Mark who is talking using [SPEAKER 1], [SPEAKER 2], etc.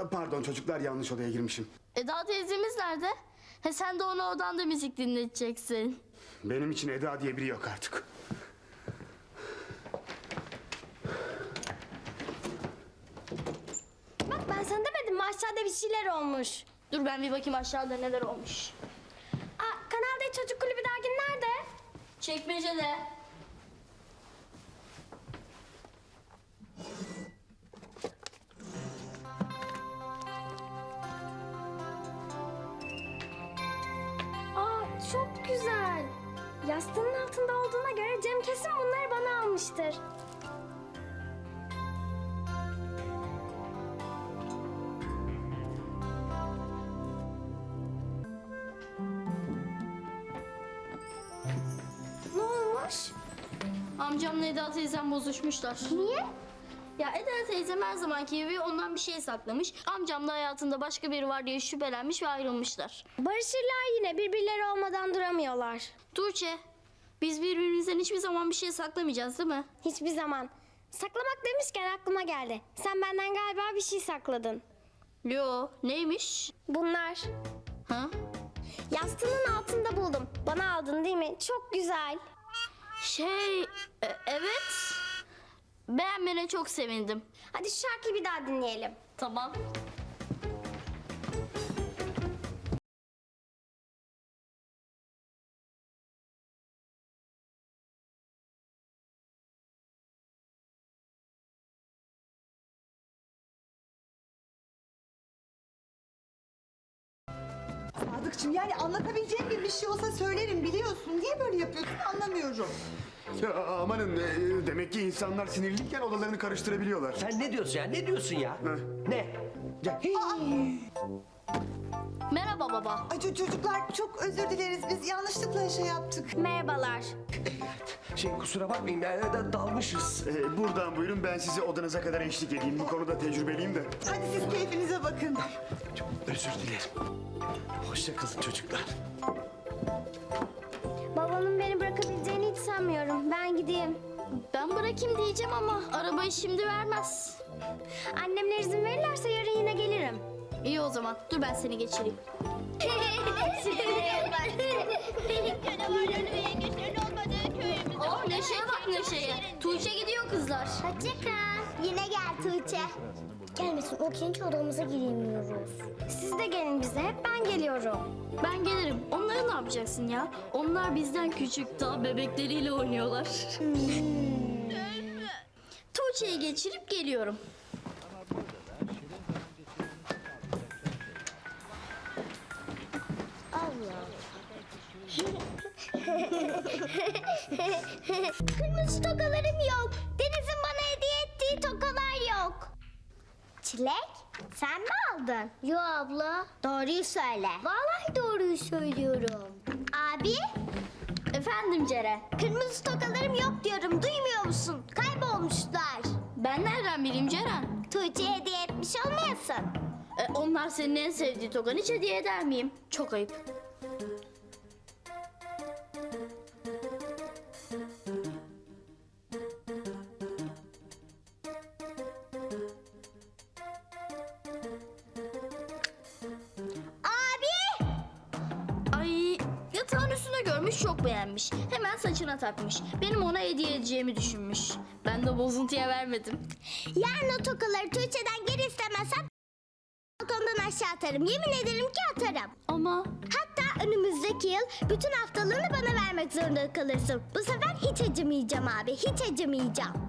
[SPEAKER 1] Pardon çocuklar, yanlış odaya girmişim.
[SPEAKER 2] Eda teyzemiz nerede? He sen de onu odanda müzik dinleteceksin.
[SPEAKER 1] Benim için Eda diye biri yok artık.
[SPEAKER 3] Bak ben sana demedim mi aşağıda bir şeyler olmuş.
[SPEAKER 2] Dur ben bir bakayım aşağıda neler olmuş.
[SPEAKER 3] Kanal D Çocuk Kulübü dergin nerede?
[SPEAKER 2] Çekmecede.
[SPEAKER 3] Çok güzel. Yastığının altında olduğuna göre Cem kesin bunları bana almıştır. Ne olmuş?
[SPEAKER 2] Amcamla Eda teyzem bozuşmuşlar.
[SPEAKER 3] Niye?
[SPEAKER 2] Ya Eda teyzem her zamanki gibi ondan bir şey saklamış. Amcam da hayatında başka biri var diye şüphelenmiş ve ayrılmışlar.
[SPEAKER 3] Barışırlar yine, birbirleri olmadan duramıyorlar.
[SPEAKER 2] Tuğçe, biz birbirimizden hiçbir zaman bir şey saklamayacağız değil mi?
[SPEAKER 3] Hiçbir zaman. Saklamak demişken aklıma geldi. Sen benden galiba bir şey sakladın.
[SPEAKER 2] Yo, neymiş?
[SPEAKER 3] Bunlar.
[SPEAKER 2] Ha?
[SPEAKER 3] Yastığının altında buldum. Bana aldın değil mi? Çok güzel.
[SPEAKER 2] Evet. Beğenmene çok sevindim.
[SPEAKER 3] Hadi şu şarkıyı bir daha dinleyelim.
[SPEAKER 2] Tamam.
[SPEAKER 4] Sadıkçım, yani anlatabileceğim bir şey olsa söylerim, biliyorsun. Niye böyle yapıyorsun anlamıyorum.
[SPEAKER 1] Ya amanın, demek ki insanlar sinirliyken odalarını karıştırabiliyorlar.
[SPEAKER 5] Sen ne diyorsun ya? Ne diyorsun ya? Ne? Ya,
[SPEAKER 2] Merhaba baba.
[SPEAKER 4] Ay çocuklar, çok özür dileriz, biz yanlışlıkla şey yaptık.
[SPEAKER 3] Merhabalar.
[SPEAKER 5] kusura bakmayın yani dalmışız.
[SPEAKER 1] Buradan buyurun, ben sizi odanıza kadar eşlik edeyim. Bu konuda tecrübeliyim de.
[SPEAKER 4] Hadi siz keyfinize bakın.
[SPEAKER 5] Çok özür dilerim. Hoşça kalın çocuklar.
[SPEAKER 3] Babamın beni bırakabileceğini hiç sanmıyorum. Ben gideyim.
[SPEAKER 2] Ben bırakayım diyeceğim ama arabayı şimdi vermez.
[SPEAKER 3] Annemler izin verirlerse yarın yine gelirim.
[SPEAKER 2] İyi o zaman. Dur ben seni geçireyim. Aa Neşe'ye bak Neşe'ye. Tuğçe gidiyor kızlar.
[SPEAKER 3] Hoşça kal. Yine gel Tuğçe. Gelmesin, o genç odamıza giremiyoruz. Siz de gelin bize, hep ben geliyorum.
[SPEAKER 2] Ben gelirim. Onları ne yapacaksın ya? Onlar bizden küçük, daha bebekleriyle oynuyorlar. Tuğçe'yi geçirip geliyorum.
[SPEAKER 3] Kırmızı tokalarım yok. Deniz'in bana hediye ettiği tokalar yok. Çilek, sen mi aldın? Yo abla. Doğruyu söyle. Vallahi doğruyu söylüyorum. Abi?
[SPEAKER 2] Efendim Ceren.
[SPEAKER 3] Kırmızı tokalarım yok diyorum. Duymuyor musun? Kaybolmuşlar.
[SPEAKER 2] Ben nereden bileyim Ceren?
[SPEAKER 3] Tuğçe'ye hediye etmiş olmayasın.
[SPEAKER 2] Onlar senin en sevdiği tokanı hiç hediye eder miyim? Çok ayıp.
[SPEAKER 3] Abi!
[SPEAKER 2] Ay yatağın üstüne görmüş, çok beğenmiş. Hemen saçına takmış. Benim ona hediye edeceğimi düşünmüş. Ben de bozuntuya vermedim.
[SPEAKER 3] Yarın o tokaları Tuğçe'den geri istemezsem balkondan aşağı atarım. Yemin ederim ki atarım.
[SPEAKER 2] Ama
[SPEAKER 3] Hatta önümüzdeki yıl bütün haftalığını bana vermek zorunda kalırsın. Bu sefer hiç acımayacağım abi, hiç acımayacağım.